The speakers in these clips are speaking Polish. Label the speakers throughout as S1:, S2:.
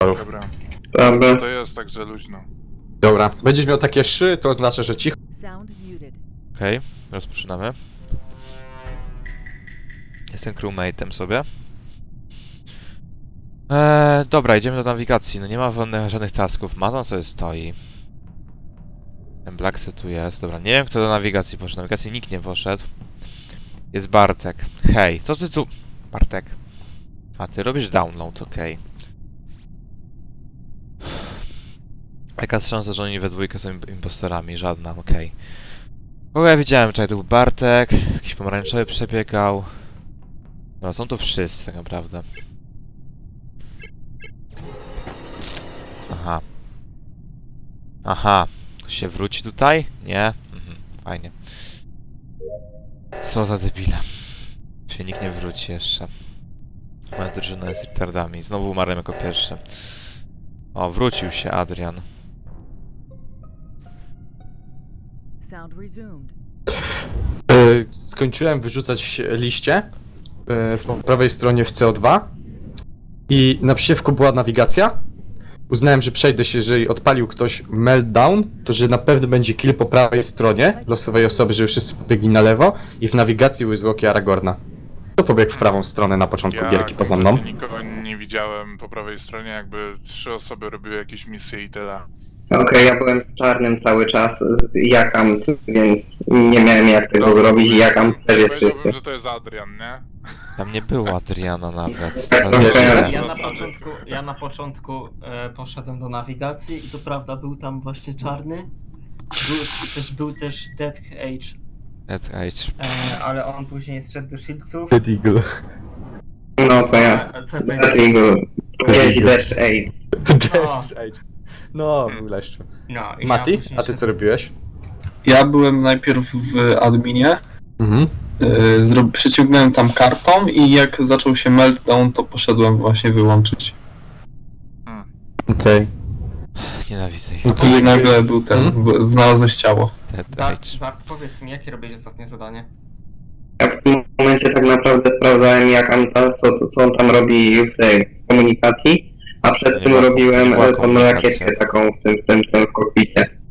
S1: Dobra.
S2: Dobra.
S1: To jest także luźno.
S3: Dobra, będziesz miał takie szy, to oznacza, że cicho.
S4: Okej, rozpoczynamy. Jestem crewmate'em sobie. Dobra, idziemy do nawigacji. No nie ma żadnych tasków. Mazan sobie stoi. Ten Blackset tu jest. Dobra, nie wiem kto do nawigacji poszedł. Do nawigacji nikt nie poszedł. Jest Bartek. Hej, co ty tu... Bartek. A ty robisz download, okej. Jaka jest szansa, że oni we dwójkę są impostorami? Żadna, okej. Kogo ja widziałem? Czekaj, to był Bartek. Jakiś pomarańczowy przebiegał. Dobra, są tu wszyscy tak naprawdę. Aha. Aha. Ktoś się wróci tutaj? Nie? Mhm, fajnie. Co za debile. Się nikt nie wróci jeszcze. Moja drużyna jest retardami. Znowu umarłem jako pierwszy. O, wrócił się Adrian.
S3: Skończyłem wyrzucać liście po prawej stronie w CO2 i na przysiewku była nawigacja. Uznałem, że przejdę się, jeżeli odpalił ktoś meltdown, to że na pewno będzie kill po prawej stronie losowej osoby, żeby wszyscy pobiegli na lewo i w nawigacji były zwłoki Aragorna. To pobiegł w prawą stronę na początku gierki poza mną.
S1: Nikogo nie widziałem po prawej stronie, jakby 3 osoby robiły jakieś misje i tyle.
S2: Okej, ja byłem z czarnym cały czas, z Jakam, więc nie miałem jak tego zrobić i Jakam też jest czysty.
S1: Powiedziałbym, że to jest Adrian, nie?
S4: Tam nie było Adriana nawet.
S5: Ja na początku poszedłem do nawigacji i to prawda był tam właśnie czarny. Był też Dead Age,
S4: Dead Age.
S5: ale on później zszedł do Shieldsów.
S3: Dead Eagle.
S2: No to ja.
S5: CP
S2: Dlatego gdzieś Dash 8.
S3: Dead Age. No, był leszczu.
S5: No, i
S3: Mati,
S5: ja później
S3: a ty co robiłeś?
S6: Ja byłem najpierw w adminie,
S3: Mhm.
S6: przyciągnąłem tam kartą i jak zaczął się meltdown, to poszedłem właśnie wyłączyć.
S3: Okej.
S4: Nienawidzę ich.
S3: No to
S6: I nagle był ten, znalazłeś ciało.
S4: Dead
S5: Bart,
S4: Age.
S5: Bart, powiedz mi, jakie robiłeś ostatnie zadanie?
S2: Ja w tym momencie tak naprawdę sprawdzałem Jakam, co on tam robi w tej komunikacji, a przed
S4: Nie
S2: tym
S4: była-
S2: robiłem
S4: nie była
S2: tą
S4: komunikacja.
S2: rakietkę taką w kokpicie.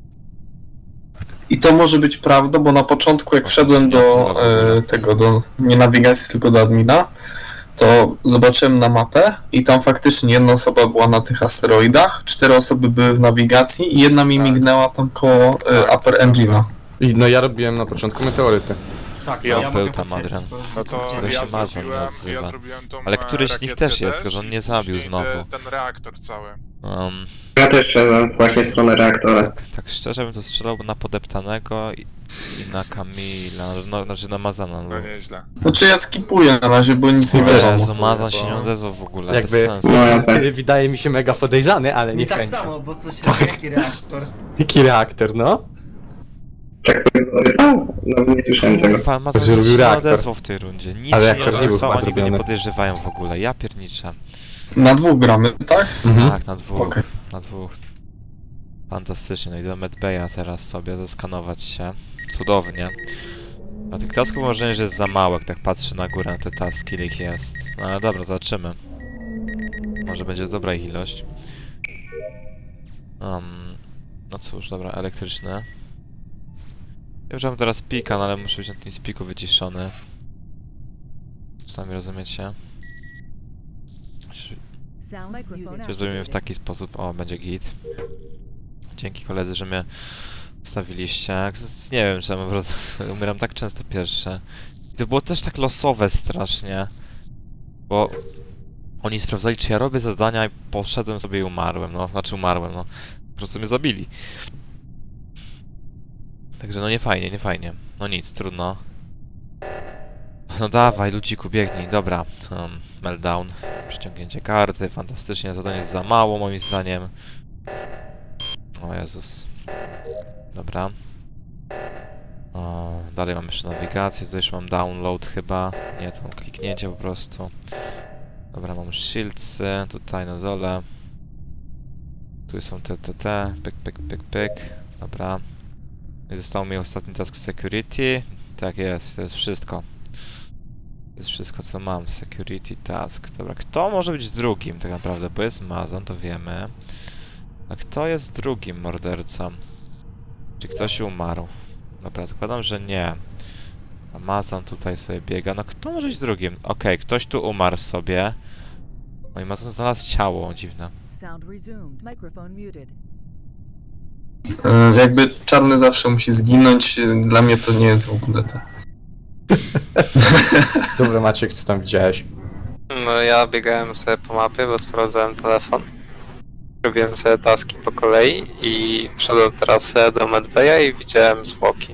S6: I to może być prawda, bo na początku jak wszedłem do tego, nie nawigacji, tylko do admina, to zobaczyłem na mapę i tam faktycznie jedna osoba była na tych asteroidach, 4 osoby były w nawigacji i jedna mi mignęła tam koło Upper Engine'a.
S3: I no ja robiłem na początku meteoryty.
S5: Tak,
S1: Ja
S4: był
S5: mogę
S4: tam,
S5: potwierdzić,
S4: Adrian.
S5: bo-
S1: No to
S4: Który
S1: ja
S4: się Mazan
S1: zrobiłem,
S4: nazywa.
S1: ja zrobiłem tą
S4: Ale któryś z nich
S1: rakietkę
S4: też jest, tylko że on nie
S1: i
S4: zabił
S1: później
S4: znowu.
S1: Ten reaktor cały.
S2: Ja też szedłem właśnie w stronę reaktora.
S4: Tak szczerze bym to strzelał na podeptanego i na Kamila, no, znaczy na Mazana.
S1: No nieźle.
S6: Znaczy ja skipuję na razie, bo nic nie wiadomo.
S4: Jezu, Mazan się nie odezwał w ogóle,
S3: Jakby-
S4: bez sensu.
S2: No ja tak.
S3: Wydaje mi się mega podejrzany, ale
S5: Mi
S3: nie
S5: tak
S3: chętnie.
S5: samo, bo coś jaki reaktor.
S3: Jaki reaktor, no?
S2: Tak no nie słyszałem tego.
S4: Kurwa, Mazan
S3: Że
S4: nic
S3: robił
S4: się nie
S3: reaktor.
S4: odezwał w tej rundzie. Nic
S3: Ale
S4: się nie
S3: reaktor nie był
S4: odezwał,
S3: chyba
S4: oni go nie
S3: zrobiony.
S4: podejrzewają w ogóle. Ja pierniczę.
S6: Na 2 gramy, tak?
S4: Tak, na dwóch.
S6: Okej.
S4: Na dwóch. Fantastycznie, no i do Medbaya teraz sobie zeskanować się. Cudownie. A tych tasków mam wrażenie, że jest za mało, jak tak patrzę na górę na te taski, ile ich jest. No ale dobra, zobaczymy. Może będzie dobra ich ilość. No cóż, dobra, elektryczne. Ja już mam teraz pika, no ale muszę być na tym spiku wyciszony. Sami rozumiecie? Czy zrobimy w taki sposób? O, będzie git. Dzięki koledzy, że mnie stawiliście. Nie wiem, czemu, po prostu umieram tak często pierwsze. I to było też tak losowe strasznie. Bo oni sprawdzali, czy ja robię zadania i poszedłem sobie i umarłem, no. Znaczy umarłem, no. Po prostu mnie zabili. Także no nie fajnie, nie fajnie. No nic, trudno. No dawaj, ludziku, biegnij. Dobra. Meltdown. Przyciągnięcie karty. Fantastycznie. Zadanie jest za mało, moim zdaniem. O Jezus. Dobra. O, dalej mam jeszcze nawigację. Tutaj już mam download chyba. Nie, to mam kliknięcie po prostu. Dobra, mam shieldsy. Tutaj na dole. Tu są te. Pyk, pyk, pyk, pyk. Dobra. I został mi ostatni task security. Tak jest, to jest wszystko. jest wszystko co mam. Security task. Dobra, kto może być drugim tak naprawdę? Bo jest Mazon, to wiemy. A kto jest drugim mordercą? Czy ktoś umarł? Dobra, zakładam, że nie. Amazon tutaj sobie biega. No kto może być drugim? Okej, ktoś tu umarł sobie. No i Amazon znalazł ciało, dziwne.
S7: Sound resumed. Microphone muted.
S6: Jakby czarny zawsze musi zginąć, dla mnie to nie jest w ogóle to.
S3: Dobra, Maciek, co tam widziałeś?
S8: No ja biegałem sobie po mapie, bo sprawdzałem telefon. Robiłem sobie taski po kolei i wszedłem teraz do Medbaya i widziałem zwłoki.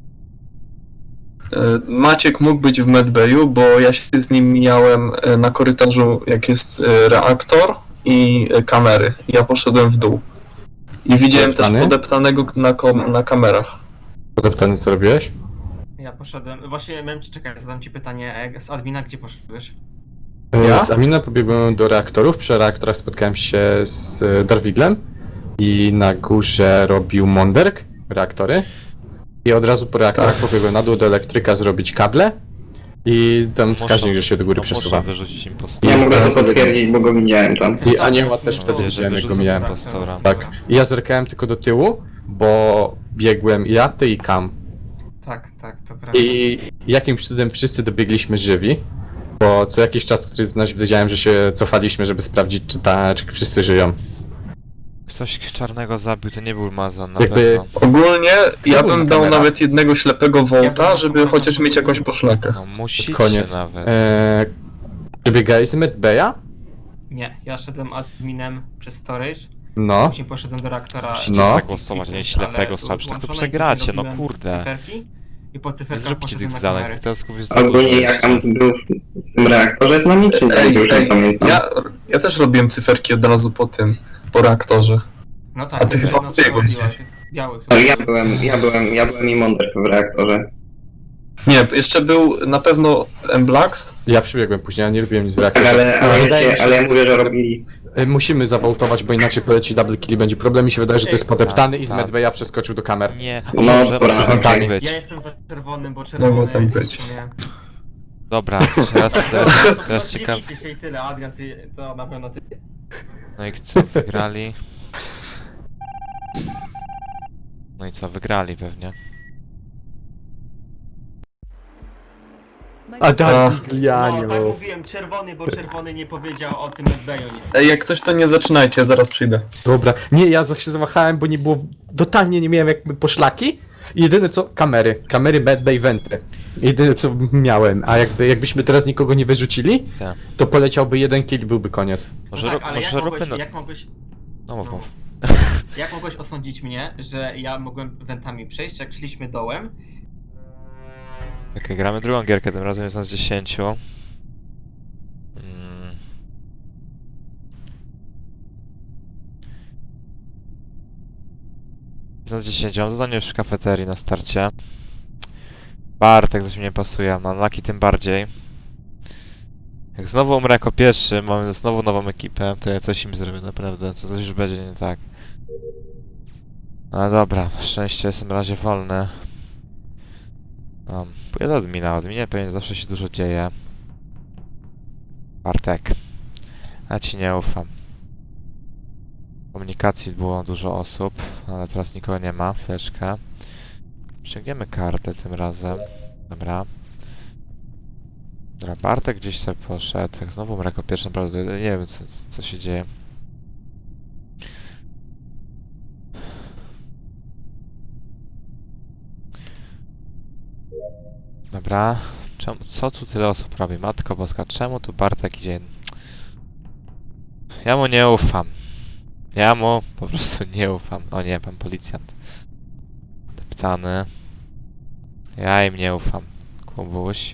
S6: Maciek mógł być w Medbayu, bo ja się z nim mijałem na korytarzu, jak jest reaktor i kamery. Ja poszedłem w dół. I widziałem też
S3: Podeptany?
S6: podeptanego na kamerach.
S3: Podeptany, co robiłeś?
S5: Ja poszedłem. Właśnie miałem ci czekać, zadam ci pytanie z admina, gdzie poszedłeś?
S3: Ja? Z Amina pobiegłem do reaktorów. Przy reaktorach spotkałem się z Darwiglem i na górze robił Monderk reaktory. I od razu po reaktorach
S6: Tak.
S3: pobiegłem na dół do elektryka zrobić kable. I tam wskaźnik, że się do góry
S4: no, muszę
S3: przesuwa.
S4: wyrzucić
S2: Ja
S4: impostora.
S2: mogę to potwierdzić, bo go widziałem tam.
S3: I Anioła też
S5: No,
S3: wtedy
S5: że
S3: widziałem, jak go
S4: wyrzucę
S3: mijałem.
S4: impostora.
S3: Tak. I ja zerkałem tylko do tyłu, bo biegłem ja, ty i Kam.
S5: Tak, to prawda.
S3: I jakimś cudem wszyscy dobiegliśmy żywi. Bo co jakiś czas, który z nas wiedziałem, że się cofaliśmy, żeby sprawdzić, czy wszyscy żyją.
S4: Ktoś czarnego zabił, to nie był Mazon na
S3: Jakby-
S4: pewno.
S6: Ogólnie ja
S3: był na
S6: bym dał
S3: kamerach?
S6: nawet jednego ślepego Volta, żeby chociaż mieć jakąś poszlakę.
S4: No musicie
S3: Koniec.
S4: nawet.
S3: Czy biegałeś z Medbaya?
S5: Nie, ja szedłem adminem przez storage,
S3: No.
S5: później poszedłem do reaktora.
S4: Musicie
S3: No.
S4: zagłosować, a nie ślepego strzału. Przecież tak to
S5: włączone,
S4: przegracie, no
S5: robiłem
S4: kurde.
S5: Cyferki i po
S4: Nie
S5: cyferkach
S4: zróbcie
S5: poszedłem
S4: tych
S5: na
S4: zadań,
S5: kamery.
S4: tych tasków jest za dużo
S2: Ogólnie jak
S4: jeszcze.
S2: tam był w tym reaktorze z nami, czy nie? Już nie pamiętam.
S6: Ja też robiłem cyferki od razu po reaktorze.
S5: No tak,
S6: A ty
S5: to
S6: chyba
S5: nas
S6: biegłeś
S5: biała-
S6: gdzieś.
S5: Biały
S2: Ale
S5: chyba.
S2: ja byłem i Monderk w reaktorze.
S6: Nie, jeszcze był na pewno M-Blax.
S3: Ja przybiegłem później, ja nie robiłem nic z
S2: Tak,
S3: reaktorem. Wydaje mi się,
S2: ale ja mówię, że robili.
S3: Musimy zawołtować, bo inaczej poleci double kill i będzie problem. Mi się wydaje, że to jest podeptany i z
S4: Tak.
S3: Medbaya przeskoczył do kamer.
S4: Nie,
S2: No,
S4: może
S2: dobra,
S4: tak
S2: okej.
S4: być.
S5: Ja jestem za czerwonym, bo czerwony...
S6: Mogło tam być.
S5: w sumie-
S4: Dobra, teraz ciekaw.
S5: Dzielicie się i tyle, Adrian, ty, to na pewno ty.
S4: No i co, wygrali? No i co, wygrali pewnie.
S3: A
S7: Microphone
S3: Darwiglianie,
S5: No, tak mówiłem, czerwony, bo czerwony nie powiedział o tym Medbayu nic.
S6: Ej, jak coś to nie zaczynajcie, ja zaraz przyjdę.
S3: Dobra. Nie, ja się zawahałem, bo nie było... Totalnie nie miałem jakby poszlaki. I jedyne co... Kamery, Medbay, Venty. Jedyne co miałem. A jakbyśmy teraz nikogo nie wyrzucili,
S4: Tak.
S3: to poleciałby jeden kill, byłby koniec.
S4: Może,
S5: No tak, ale
S4: może róbmy na...
S5: jak mogłeś...
S4: No mów,
S5: No.
S4: mów.
S5: Jak mogłeś osądzić mnie, że ja mogłem wentami przejść, jak szliśmy dołem?
S4: Okej, gramy drugą gierkę, tym razem jest nas 10. Jest nas 10, mam zadanie już w kafeterii na starcie. Bartek coś mi nie pasuje, na Laki tym bardziej. Jak znowu umrę jako pierwszy, mamy znowu nową ekipę, to ja coś im zrobię naprawdę, to coś już będzie nie tak. No dobra, szczęście jestem na razie wolny. Pójdę do admina, adminie pewnie zawsze się dużo dzieje. Bartek. Ja ci nie ufam. W komunikacji było dużo osób, ale teraz nikogo nie ma, chwileczkę. Ściągniemy kartę tym razem. Dobra. Dobra, Bartek gdzieś sobie poszedł. Jak znowu umrę jako pierwszy, naprawdę nie wiem co się dzieje. Dobra. Co tu tyle osób robi? Matko Boska, czemu tu Bartek idzie? Ja mu nie ufam. Ja mu po prostu nie ufam. O nie, pan policjant. Deptany. Ja im nie ufam. Kubuś.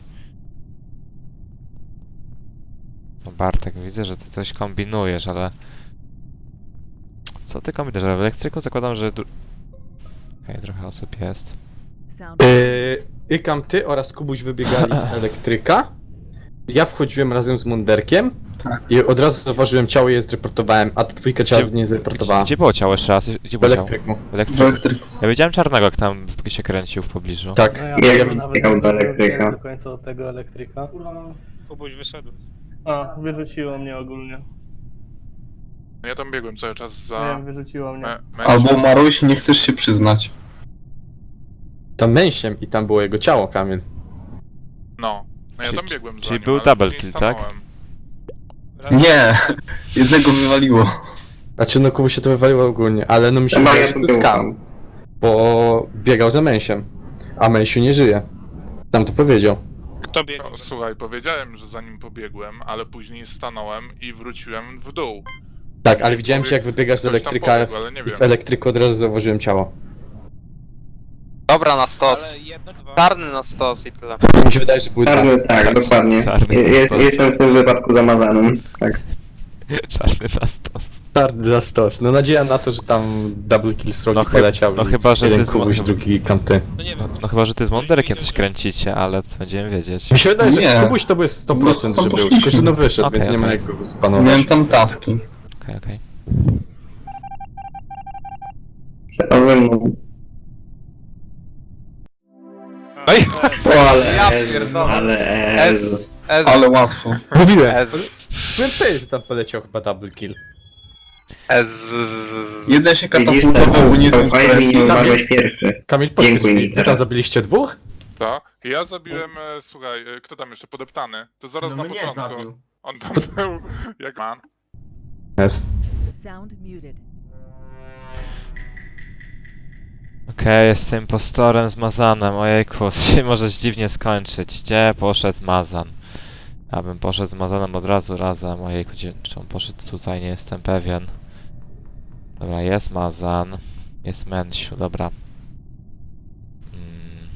S4: No Bartek, widzę, że ty coś kombinujesz, ale... Co ty kombinujesz? Ale w elektryku zakładam, że... Okej, trochę osób jest.
S7: sound
S3: Ikam, ty oraz Kubuś wybiegali z elektryka. ja wchodziłem razem z Munderkiem
S6: Tak.
S3: i od razu zauważyłem ciało i je zreportowałem, a ta dwójka ciała nie zreportowała.
S4: Gdzie było ciało jeszcze raz? Gdzie
S3: W
S4: było ciało?
S3: elektryku.
S4: W
S6: W
S4: elektryku.
S6: elektryku.
S4: Ja widziałem czarnego, jak tam się kręcił w pobliżu.
S3: Tak.
S2: Ja bym biegał do elektryka.
S9: do końca do tego elektryka.
S10: Kubuś wyszedł.
S9: A, wyrzuciło mnie ogólnie.
S1: Ja tam biegłem cały czas za...
S9: Wiem, wyrzuciło mnie.
S6: Albo umarłeś i nie chcesz się przyznać.
S3: Tam męsiem i tam było jego ciało, Kamil.
S1: No ja
S4: Czyli-
S1: tam biegłem za
S4: czyli
S1: nim,
S4: był
S1: ale
S4: double
S1: później
S4: kill, tak?
S1: stanąłem.
S6: Nie! Jednego wywaliło.
S3: Znaczy no Kubu się to wywaliło ogólnie, ale no mi się
S2: No
S3: wydaje,
S2: ja
S3: że
S2: tu
S3: to jest
S2: był
S3: skam, bo biegał za Męsiem, a Męsiu nie żyje. Tam to powiedział.
S10: Kto biegł?
S1: No, słuchaj, powiedziałem, że za nim pobiegłem, ale później stanąłem i wróciłem w dół.
S3: Tak, ale widziałem cię jak wybiegasz z
S1: Ktoś tam
S3: elektryka
S1: pobiegł, ale nie
S3: i
S1: wiem.
S3: w elektryku od razu zauważyłem ciało.
S8: Dobra, na stos.
S10: Ale jedno, dwa.
S8: Czarny na stos i tyle.
S3: Mi się wydaje, że były
S2: Czarny,
S3: dwa.
S2: tak, dokładnie.
S4: Czarny stos.
S2: Jestem w tym wypadku zamazanym. Tak.
S4: Czarny na stos.
S3: Czarny za stos. No nadzieja na to, że tam double kill z rogi
S4: No
S3: poleciał.
S4: no
S3: i
S4: chyba, że
S3: jeden
S4: ty z
S3: Kubuś,
S4: Mon-
S3: drugi Kanty.
S10: No nie
S4: No,
S10: wiem.
S4: no chyba, że ty z Monderkiem coś kręcicie, ale to będziemy wiedzieć.
S3: Mi się wydaje, że
S6: Nie.
S3: Kubuś to był 100%,
S6: tam
S3: że był.
S6: poszliśmy.
S3: Tylko, że no wyszedł,
S4: Okej,
S3: więc nie ma
S4: okej.
S3: jak go spanować.
S6: Miałem tam taski.
S4: Okej.
S2: Co ze mną?
S8: No i
S2: O, ale
S8: Ja
S2: Ez,
S8: pierdolę.
S2: ale Ez.
S8: S.
S6: Ale łatwo.
S3: Mówiłem!
S8: S.
S3: Byłem pewien, że tam poleciał chyba double kill.
S8: S.
S6: Jeden się
S2: Widzisz,
S6: katapultował, bo nie zniósł
S2: Fajnie,
S6: presji.
S2: nie umarłeś pierwszy.
S3: Kamil, powiedz
S2: Dziękuję
S3: mi,
S2: mi
S3: wy tam
S2: teraz.
S3: zabiliście dwóch?
S1: To? I ja zabiłem, słuchaj, kto tam jeszcze podeptany? To zaraz
S5: No
S1: na
S5: mnie
S1: początku.
S5: zabił.
S1: On tam był jak man.
S3: Jest.
S7: Sound muted.
S4: Okej, jestem impostorem z Mazanem, ojejku, to się może dziwnie skończyć. Gdzie poszedł Mazan? Ja bym poszedł z Mazanem od razu razem, ojejku, czy on poszedł tutaj, nie jestem pewien. Dobra, jest Mazan, jest Mensiu, dobra. Mm.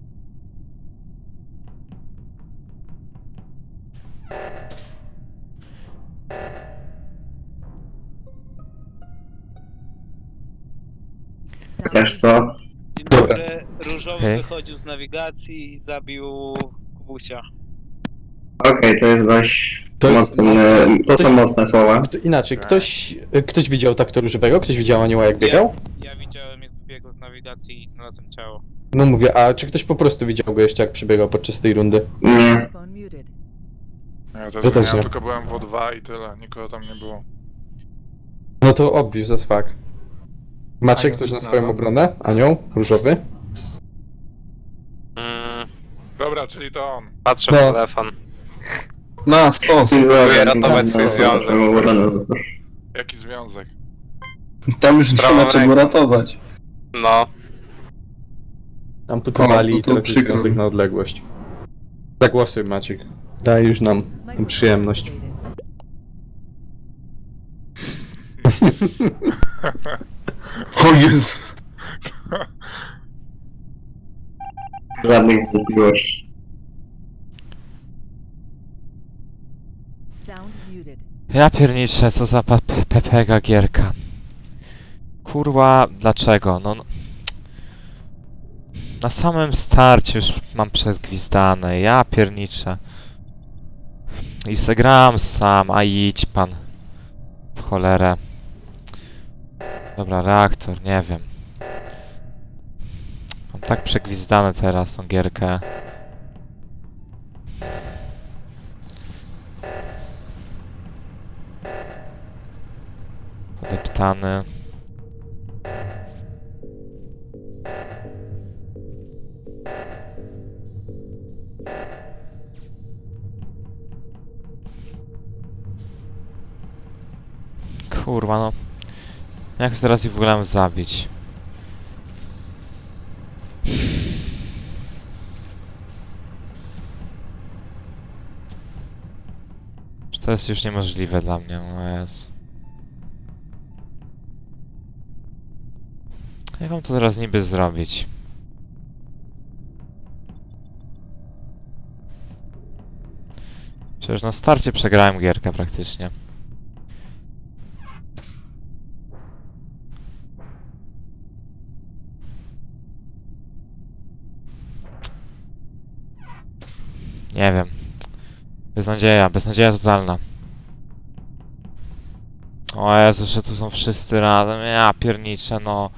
S7: Sound
S2: Wiesz co?
S10: Dzień
S3: Dobra.
S10: dobry. Różowy
S4: Okej.
S10: wychodził z nawigacji i zabił Kubusia.
S2: Okej, to jest dość
S3: To jest
S2: mocne, to
S3: Ktoś-
S2: są mocne słowa.
S3: Inaczej, ktoś widział takto różowego? Ktoś widział anioła jak biegał?
S10: Ja widziałem jak biegł z nawigacji i znalazłem ciało.
S3: No mówię, a czy ktoś po prostu widział go jeszcze jak przybiegał podczas tej rundy?
S2: Nie.
S7: microphone muted.
S1: Ja
S3: To
S1: też
S3: też
S1: nie,
S3: nie.
S1: tylko byłem w O2 i tyle, nikogo tam nie było.
S3: No to obvious as fuck. Macie
S5: Anioł
S3: ktoś na
S5: znowu.
S3: swoją obronę? Anioł? Różowy?
S1: Dobra, czyli to on.
S8: Patrzę
S3: No.
S8: w telefon.
S6: Na stos.
S8: ratować swój związek.
S1: Jaki związek?
S6: Tam już nie
S8: Prawą
S6: ma czego
S8: ręką.
S6: ratować.
S8: No.
S3: Amputowali
S6: O,
S3: i
S6: to
S3: to
S6: przykro.
S3: związek na odległość. Zagłosuj Maciek. Daj już nam tę
S7: Microphone
S3: przyjemność.
S7: activated.
S6: O Jezu.
S2: Żadnych wątpliwości.
S7: Sound muted.
S4: Ja pierniczę, co za pepega gierka. Kurwa, dlaczego? No... Na samym starcie już mam przegwizdane, ja pierniczę. I se gram sam, a idź pan. W cholerę. Dobra, reaktor, nie wiem. Mam tak przegwizdane teraz tą gierkę. Podeptany. Kurwa no. Jak to teraz ich w ogóle mam zabić? Czy to jest już niemożliwe dla mnie? O Jezu. Jak mam to teraz niby zrobić? Przecież na starcie przegrałem gierkę praktycznie. Nie wiem. Beznadzieja totalna. O Jezu, że tu są wszyscy razem, ja pierniczę, no.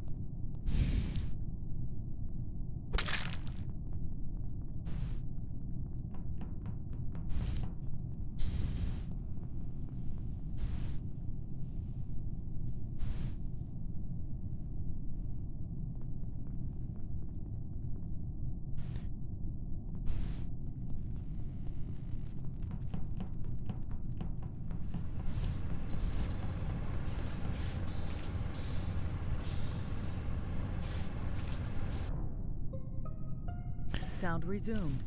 S7: Sound resumed.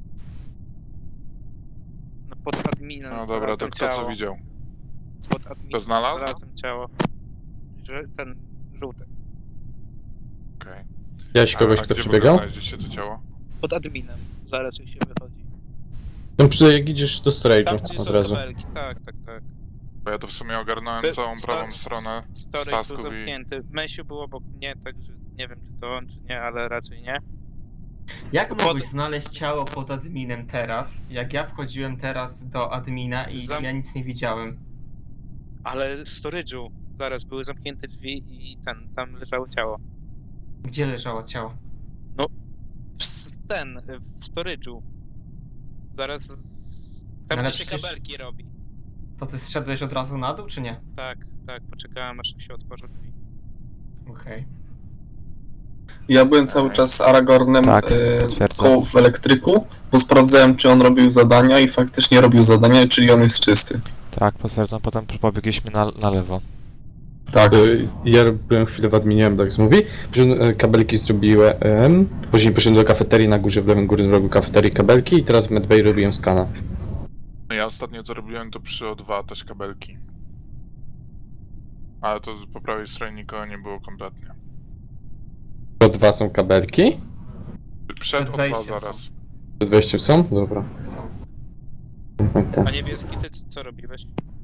S10: No pod adminem
S1: No dobra, to
S10: znalazłem
S1: kto co
S10: ciało.
S1: widział?
S10: Pod adminem
S1: Kto znalazł?
S10: znalazłem ciało. Że ten żółty.
S1: Okej.
S3: Widziałeś kogoś,
S1: A
S3: kto
S1: gdzie w ogóle
S3: przebiegał?
S1: znaleźliście to ciało?
S10: Pod adminem. Zaraz jak się wychodzi.
S3: No jak idziesz do
S10: Tam
S3: storage'u
S10: gdzie
S3: od
S10: są
S3: razu.
S10: kabelki, tak.
S1: Bo ja to w sumie ogarnąłem całą prawą stronę
S10: Storage był
S1: tasków i...
S10: zamknięty. Mesiu był obok mnie, także nie wiem czy to on, czy nie, ale raczej nie.
S5: Jak
S10: Pod-
S5: mogłeś znaleźć ciało pod adminem teraz, jak ja wchodziłem teraz do admina i ja nic nie widziałem?
S10: Ale w storage'u zaraz były zamknięte drzwi i tam leżało ciało.
S5: Gdzie leżało ciało?
S10: W storage'u. Zaraz... Tam
S5: Ale
S10: gdzie się
S5: przecież-
S10: kabelki robi.
S5: To ty zszedłeś od razu na dół, czy nie?
S10: Tak, poczekałem aż się otworzą drzwi.
S5: Okej.
S6: Ja byłem cały czas z Aragornem
S4: Tak, potwierdzam.
S6: w elektryku, bo sprawdzałem, czy on robił zadania i faktycznie robił zadania, czyli on jest czysty.
S4: Tak, potwierdzam, potem pobiegliśmy na lewo.
S6: Tak.
S3: Ja byłem chwilę w adminie, tak mówi. Kabelki zrobiłem, później poszedłem do kafeterii na górze, w lewym górnym rogu kafeterii kabelki i teraz w medbay robiłem skana.
S1: No ja ostatnio co robiłem to przy O2 też kabelki. Ale to po prawej stronie nikogo nie było kompletnie.
S3: To dwa są kabelki.
S1: Przed
S5: Przed
S1: O2
S5: wejściem
S1: zaraz.
S3: Przed wejściem są? Dobra.
S10: A niebieski, ty co robiłeś?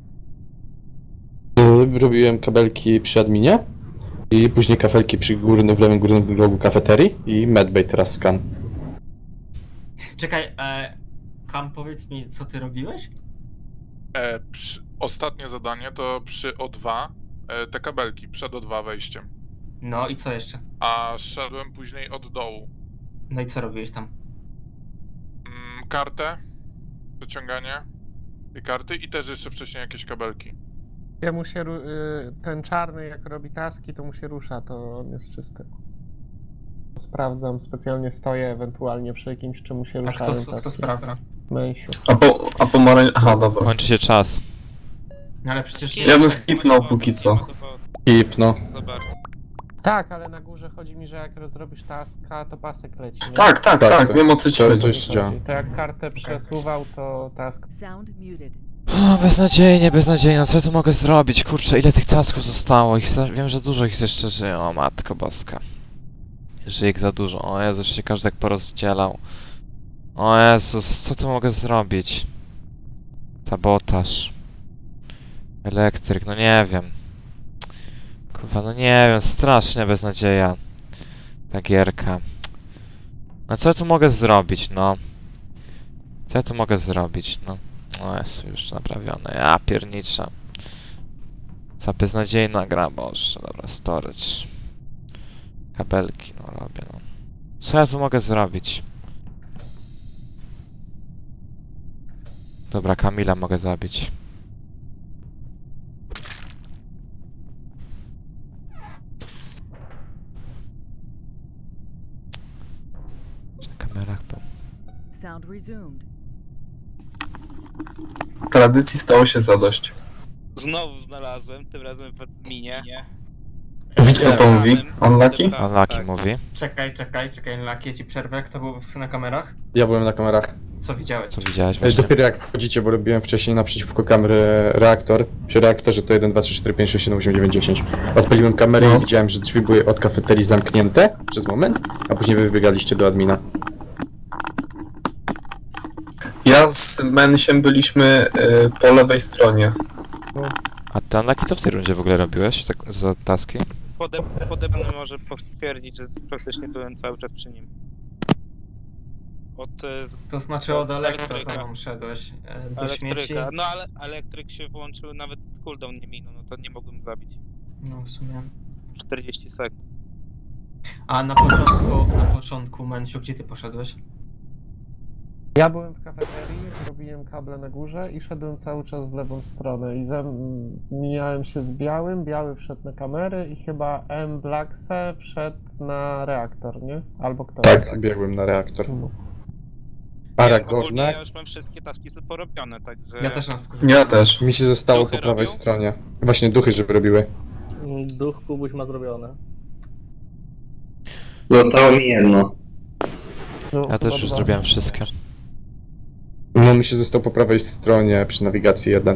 S3: Robiłem kabelki przy adminie i później kafelki przy w lewym górnym rogu kafeterii i medbay teraz skan.
S5: Czekaj, Kam, powiedz mi, co ty robiłeś?
S1: Ostatnie zadanie to przy O2 te kabelki, przed O2 wejściem.
S5: No i co jeszcze?
S1: A szedłem później od dołu.
S5: No i co robiłeś tam?
S1: Kartę, przeciąganie tej karty i też jeszcze wcześniej jakieś kabelki.
S9: Jemu się ten czarny jak robi taski, to mu się rusza, to on jest czysty. Sprawdzam, specjalnie stoję ewentualnie przy jakimś czemu się
S5: A
S9: ruszają
S5: kto sprawdza?
S9: Męsiu.
S6: A pomarań... Aha, dobra.
S4: Kończy się czas.
S5: No ale przecież...
S6: Ja bym skipnął póki co.
S3: Kip, no.
S10: Zobacz.
S9: Tak, ale na górze chodzi mi, że jak zrobisz taska, to pasek leci. Nie?
S6: Tak, wiem o co ci
S3: To
S6: chodzi.
S3: jeszcze działa.
S9: To jak kartę przesuwał, to task.
S7: Sound muted.
S4: O, beznadziejnie, no co ja tu mogę zrobić? Kurczę, ile tych tasków zostało? Wiem, że dużo ich jeszcze żyje, o matko boska. Żyje ich za dużo, o Jezu, jeszcze się każdy tak porozdzielał. O Jezus, co tu mogę zrobić? Sabotaż. Elektryk, no nie wiem. Kurwa, no nie wiem, strasznie beznadzieja. Ta gierka. No co ja tu mogę zrobić, no? Co ja tu mogę zrobić, no? O jest już naprawione, ja pierniczę. Za beznadziejna gra, boże, dobra, storage. Kabelki, no robię, no. Co ja tu mogę zrobić? Dobra, Kamila mogę zabić. Na kamerach był.
S7: Sound resumed.
S6: Tradycji stało się zadość.
S10: Znowu znalazłem, tym razem w adminie.
S6: Co to mówi? Unlucky?
S4: Unlucky mówi.
S5: Czekaj, Laki, ja ci przerwę. Kto był na kamerach?
S3: Ja byłem na kamerach.
S5: Co widziałeś?
S4: Co widziałeś właśnie?
S3: Dopiero jak wchodzicie, bo robiłem wcześniej naprzeciwko kamery reaktor. Przy reaktorze to 1, 2, 3, 4, 5, 6, 7, 8, 9, 10. Odpaliłem kamerę
S6: No.
S3: i widziałem, że drzwi były od kafeterii zamknięte przez moment, a później wy wybiegaliście do admina.
S6: Ja z Mensiem byliśmy po lewej stronie.
S4: A ty Unlucky co w tej rundzie w ogóle robiłeś za taski?
S10: Pode mną może potwierdzić, że praktycznie byłem cały czas przy nim.
S5: To znaczy od elektra
S10: elektryka.
S5: za mną szedłeś do śmieci.
S10: Elektryka. No ale elektryk się włączył, nawet cooldown nie minął, no to nie mogłem zabić.
S5: No w sumie.
S10: 40 sekund.
S5: A na początku, Mensiu, gdzie ty poszedłeś?
S9: Ja byłem w kafeterii, robiłem kable na górze i szedłem cały czas w lewą stronę i mijałem się z białym, biały wszedł na kamery i chyba M. Blackse wszedł na reaktor, nie? Albo kto?
S3: Tak, biegłem na reaktor.
S10: Ogólnie
S3: Aragornek
S10: ja już mam wszystkie taski porobione, także...
S5: Ja też mam wszystko
S6: Ja
S5: zrobione.
S6: też.
S3: mi się zostało
S10: Duchy
S3: po prawej
S10: robią?
S3: stronie. Właśnie duchy, żeby robiły.
S11: Duch Kubuś ma zrobione.
S2: Zostało mi jedno.
S9: No,
S4: Ja też
S9: chyba
S4: już
S9: dwa.
S4: zrobiłem wszystkie.
S3: No mi się został po prawej stronie przy nawigacji 1.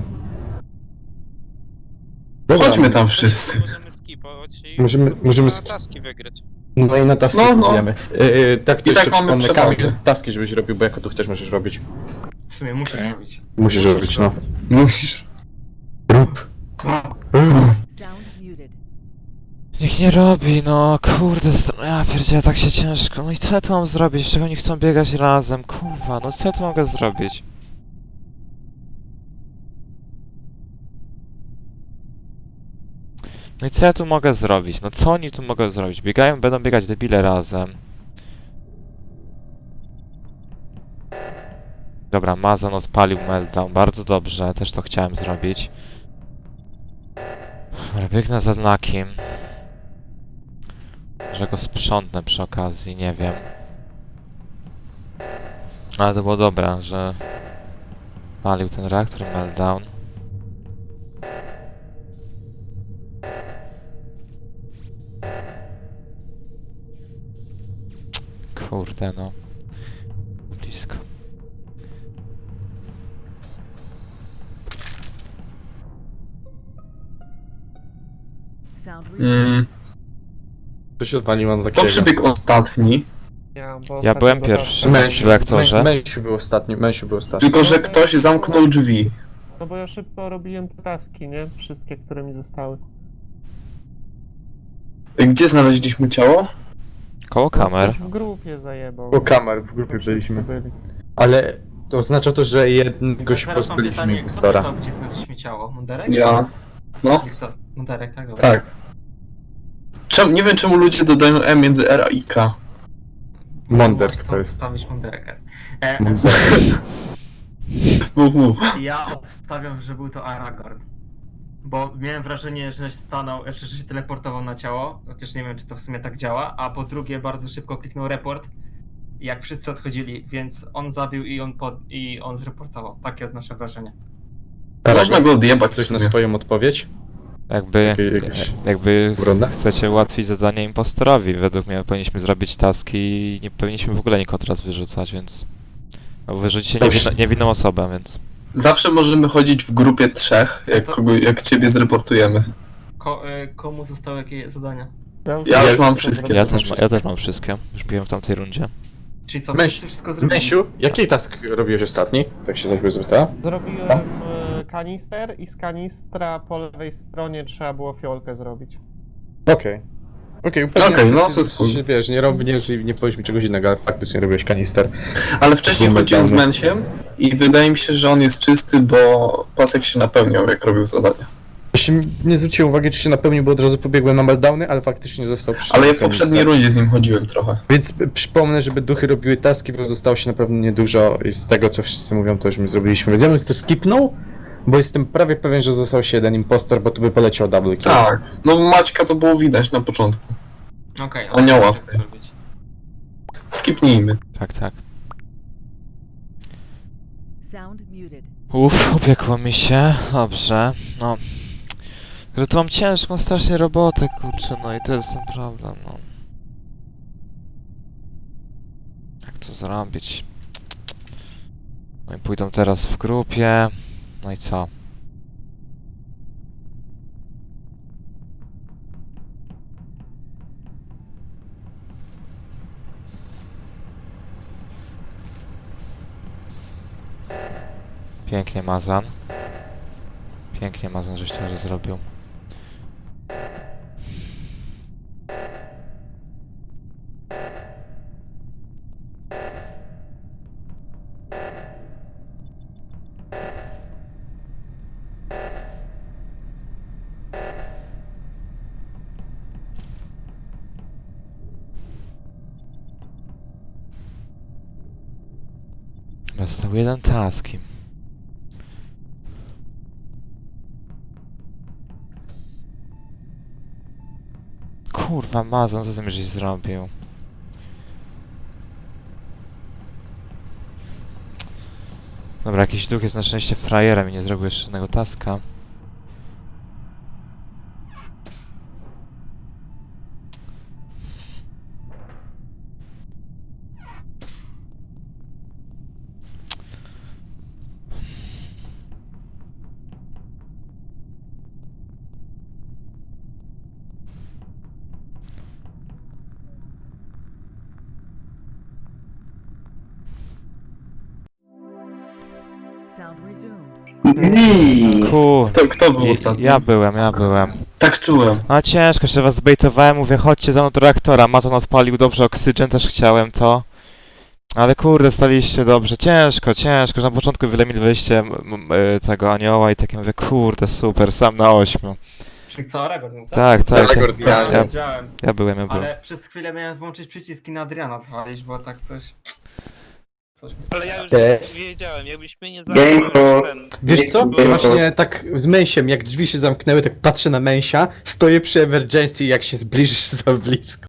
S6: Chodźmy tam wszyscy.
S10: Możemy skipować i
S3: Możemy
S10: na taski wygrać.
S3: No i na taski
S6: No, no.
S3: spróbujemy. Tak, to
S6: I tak
S3: jeszcze
S6: mamy
S3: przypomnę, Kamil,
S6: przewagę.
S3: taski żebyś robił, bo jako duch też możesz robić.
S5: W sumie musisz robić.
S3: Musisz robić, no.
S6: Musisz.
S3: Rób.
S7: Sound muted.
S4: Niech nie robi, no kurde, ja pierdzielę, tak się ciężko. No i co ja tu mam zrobić? Czego oni chcą biegać razem? Kurwa, no co ja tu mogę zrobić? No i co ja tu mogę zrobić? No co oni tu mogą zrobić? Biegają, będą biegać debile razem. Dobra, Mazan odpalił meltdown, bardzo dobrze, też to chciałem zrobić. Dobra, biegnę za Nakim. Że go sprzątnę przy okazji, nie wiem. Ale to było dobre, że palił ten reaktor meltdown. Kurde no. Blisko.
S7: Sound resumed.
S3: To się odpaliło na
S6: To
S3: takiego.
S6: przybiegł ostatni,
S4: Ja byłem pierwszy.
S3: Męsiu,
S4: w reaktorze.
S3: Męsiu był ostatni, Męsiu był ostatni.
S6: tylko że ktoś zamknął drzwi.
S9: No bo ja szybko robiłem te taski, nie? Wszystkie, które mi zostały.
S6: Gdzie znaleźliśmy ciało?
S4: Koło kamer.
S9: Ktoś w grupie zajebał.
S3: Po kamer w grupie
S9: Wszyscy
S3: byliśmy.
S9: byli.
S3: Ale to oznacza to, że jednego się
S5: Teraz mam
S3: pozbyliśmy
S5: pytanie, kto
S3: impostora.
S5: pytał, gdzie znaleźliśmy ciało? Munderek?
S6: Ja. No,
S5: I kto? Munderek, tak? Dobra.
S6: tak. Nie wiem czemu ludzie dodają E między R a i K.
S3: Monderk
S5: Możesz
S3: to jest.
S5: Wstawić Munderek.
S6: Mów.
S5: Ja obstawiam, że był to Aragorn. Bo miałem wrażenie, że stanął, że się teleportował na ciało, chociaż nie wiem, czy to w sumie tak działa, a po drugie bardzo szybko kliknął report, jak wszyscy odchodzili, więc on zabił i on zreportował. Takie odnoszę wrażenie.
S6: Można go odjebać w
S3: Ktoś na
S6: sumie.
S3: swoją odpowiedź?
S4: Jakby
S3: Obrona?
S4: chcecie ułatwić zadanie impostorowi, według mnie powinniśmy zrobić taski i nie powinniśmy w ogóle nikogo teraz wyrzucać, więc... Bo wyrzucicie niewinną osobę, więc...
S6: Zawsze możemy chodzić w grupie trzech, jak ciebie zreportujemy.
S5: Komu zostały jakie zadania?
S6: Ja już mam wszystkie.
S4: Ja też mam wszystkie, już biłem w tamtej rundzie.
S5: Czyli co,
S3: Męś-
S5: wszyscy wszystko zrobili?
S3: Męsiu, jaki task robiłeś ostatni? Tak się zaś zapytała.
S9: Zrobiłem kanister i z kanistra po lewej stronie trzeba było fiolkę zrobić.
S3: Okej. Upewniam
S6: Okej,
S3: się,
S6: no
S3: że-
S6: to jest spoko.
S3: że wiesz, nie robisz i nie powiesz mi czegoś innego, ale faktycznie robiłeś kanister.
S6: Ale wcześniej
S3: Byłem
S6: chodziłem z
S3: dawno.
S6: Mensiem i wydaje mi się, że on jest czysty, bo pasek się napełniał, jak robił zadania.
S3: Właśnie nie zwróciłem uwagi, czy się napełnił, bo od razu pobiegłem na meltdowny, ale faktycznie został przy
S6: Ale ja w
S3: kanister.
S6: poprzedniej rundzie z nim chodziłem trochę.
S3: Więc przypomnę, żeby duchy robiły taski, bo zostało się naprawdę niedużo i z tego, co wszyscy mówią, to już my zrobiliśmy. Więc ja bym to skipnął, bo jestem prawie pewien, że został się jeden impostor, bo tu by poleciał double kill.
S6: Tak, no Maćka to było widać na początku.
S5: Okej,
S6: Anioła w
S5: co
S6: tym.
S5: zrobić?
S6: Skipnijmy.
S4: Tak.
S7: Sound muted.
S4: Upiekło mi się, dobrze, no. Że tu mam ciężką strasznie robotę, kurczę, no i to jest ten problem, no. Jak to zrobić? No i pójdą teraz w grupie, no i co? Pięknie Mazan. Pięknie Mazan, żeś to zrobił. został jeden taski. Kurwa, Mazon, co ty mi żeś zrobił? Dobra, jakiś duch jest na szczęście frajerem i nie zrobił jeszcze żadnego taska.
S7: Sound resumed.
S6: Kto był ostatni?
S4: Ja byłem.
S6: Tak czułem.
S4: A ciężko, że was zbejtowałem, mówię chodźcie za mną do reaktora. Mazon odpalił dobrze oksygen, też chciałem to. Ale kurde, staliście dobrze. Ciężko, że na początku wyeliminowaliście tego anioła i takie mówię, kurde, super, sam na 8.
S5: Czyli co, Aragorn był, tak?
S4: Tak.
S6: Aragorn, tak.
S5: Ja wiedziałem,
S4: Ja byłem.
S5: ale przez chwilę miałem włączyć przyciski na Adriana zwalić, bo tak coś... Coś mi...
S10: Ale ja już wiedziałem, jakbyś mnie nie
S2: Game
S10: zabił,
S2: for-
S10: ten...
S3: Wiesz co?
S2: Było-
S3: Właśnie tak z Męsiem, jak drzwi się zamknęły, tak patrzę na Męsia, stoję przy emergency i jak się zbliżysz za blisko.